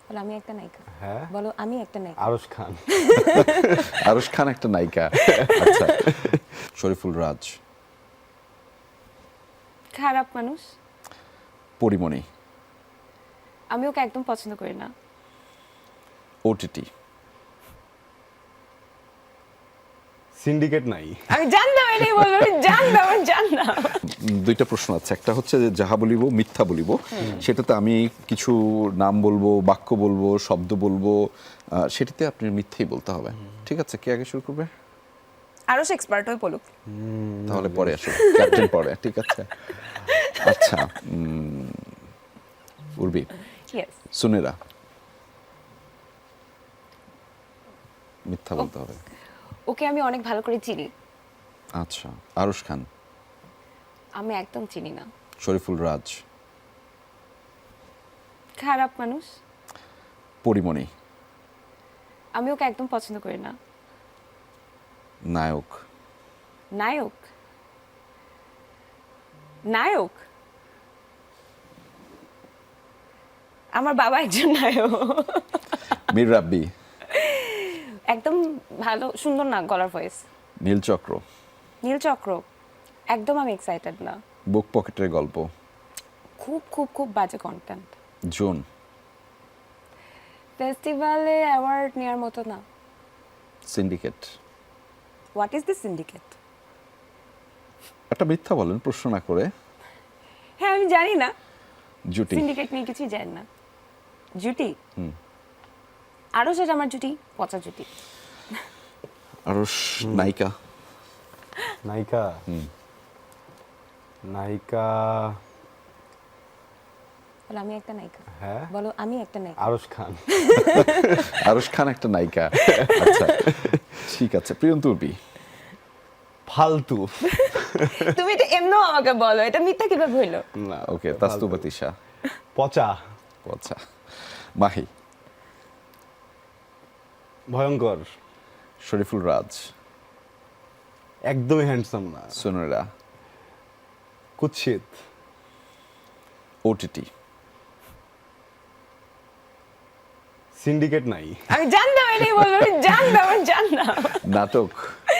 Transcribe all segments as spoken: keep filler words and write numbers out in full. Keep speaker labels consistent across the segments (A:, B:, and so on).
A: বলো আমি একটা নায়িকা।
B: হ্যাঁ
A: বলো আমি একটা নায়িকা।
B: আরশ খান।
C: আরশ খান একটা নায়িকা। আচ্ছা, শরীফুল রাজ।
A: খারাপ মানুষ।
C: পরিমণি।
A: আমি ওকে একদম পছন্দ করি না।
C: ওটিটি।
B: সিন্ডিকেট নাই।
A: আমি জানতাম এটাই বলবো, আমি জানতাম আমি জানতাম।
C: দুইটা প্রশ্ন আছে, একটা হচ্ছে যে যাহা বলিব মিথ্যা বলিব, সেটাতে আমি কিছু নাম বলবো, বাক্য বলবো, শব্দ বলবো, আহ, সেটাতে আপনি মিথ্যেই বলতে হবে। ঠিক আছে, কে আগে শুরু করবে?
A: আরো সে এক্সপার্ট হয়ে বলুক।
C: তাহলে পরে আসো, ক্যাপ্টেন পরে। ঠিক আছে। আচ্ছা, উম, উর্বি।
A: ইয়েস।
C: সুনেরা। মিথ্যা বলতে হবে।
A: ওকে আমি অনেক ভালো করে চিনি।
C: আচ্ছা, আরশ খান।
A: আমি একদম চিনি না।
C: শরীফুল রাজ।
A: খারাপ মানুষ।
C: পরিমণি।
A: আমি ওকে একদম পছন্দ করি না।
C: নায়ক।
A: নায়ক। নায়ক। আমার বাবা একজন নায়ক।
C: মীর রাব্বি।
A: একদম ভালো, সুন্দর না গলার ভয়েস।
C: নীলচক্র।
A: নীল চক্র। একদম আমি এক্সাইটেড না।
C: বুক পকেটের গল্প।
A: খুব খুব খুব বাজে কন্টেন্ট।
C: জোন।
A: ফেস্টিভ্যালে অ্যাওয়ার্ড নেওয়ার মতো না।
C: Syndicate.
A: What is this syndicate?
C: একটা মিথ্যা বলেন প্রশ্ন না করে।
A: হ্যাঁ আমি জানি না,
C: জুটি।
A: সিন্ডিকেট নিয়ে কিছুই জানি না। জুটি। আরো সেটা আমার জুটি, পচা জুটি।
C: আরশ নায়িকা।
B: নায়িকা। নায়িকা।
A: বলো আমি একটা নায়িকা।
B: হ্যাঁ
A: বলো আমি একটা নায়িকা।
B: আরশ খান।
C: আরশ খান একটা নায়িকা। আচ্ছা, ঠিক আছে। প্রিয়ন্ত উর্বি।
B: ফালতু।
A: তুমি এটা এমনও আমাকে বলো, এটা মিথ্যা কিভাবে হইলো?
B: না
C: ওকে, তাসতুবা তিশা।
B: পচা।
C: আচ্ছা, মাহি।
B: ভয়ঙ্কর।
C: শরীফুল রাজ।
B: একদমই হ্যান্ডসাম না।
C: সুনেরা।
B: কুৎসিত।
C: ওটিটি।
B: সিন্ডিকেট নাই।
A: আমি জানতাম এটাই বলবো, আমি জানতাম আমি জানতাম।
C: নাটক।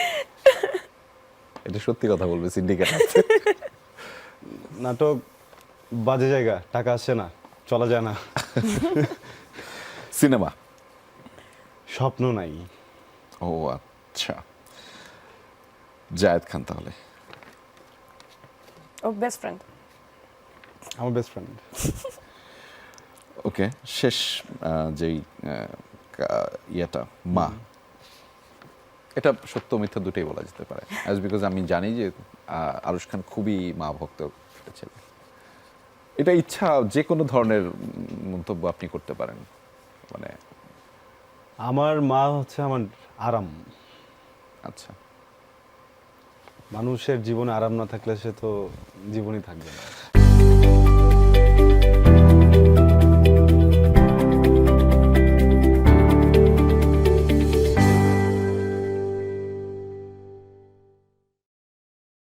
C: এটা সত্যি কথা বলবে, সিন্ডিকেট আছে।
B: নাটক বাজে জায়গা, টাকা আসছে না, চলা যায় না।
C: সিনেমা।
B: স্বপ্ন নাই।
C: ও আচ্ছা, জায়েদ খান তাহলে।
A: ও বেস্ট ফ্রেন্ড।
B: আমার বেস্ট ফ্রেন্ড।
C: ওকে, শেষ আহ, যেই আহ, কা- ইয়েটা মা, এটা সত্য মিথ্যা দুটোই বলা যেতে পারে, অ্যাজ বিকজ আমি জানি যে আহ, আরশ খান খুবই মা ভক্ত একটা ছেলে। এটা ইচ্ছা যে কোনো ধরনের উম, মন্তব্য আপনি করতে পারেন, মানে
B: আমার মা হচ্ছে আমার আরাম।
C: আচ্ছা।
B: মানুষের জীবনে আরাম না থাকলে সে তো জীবনই থাকবে না।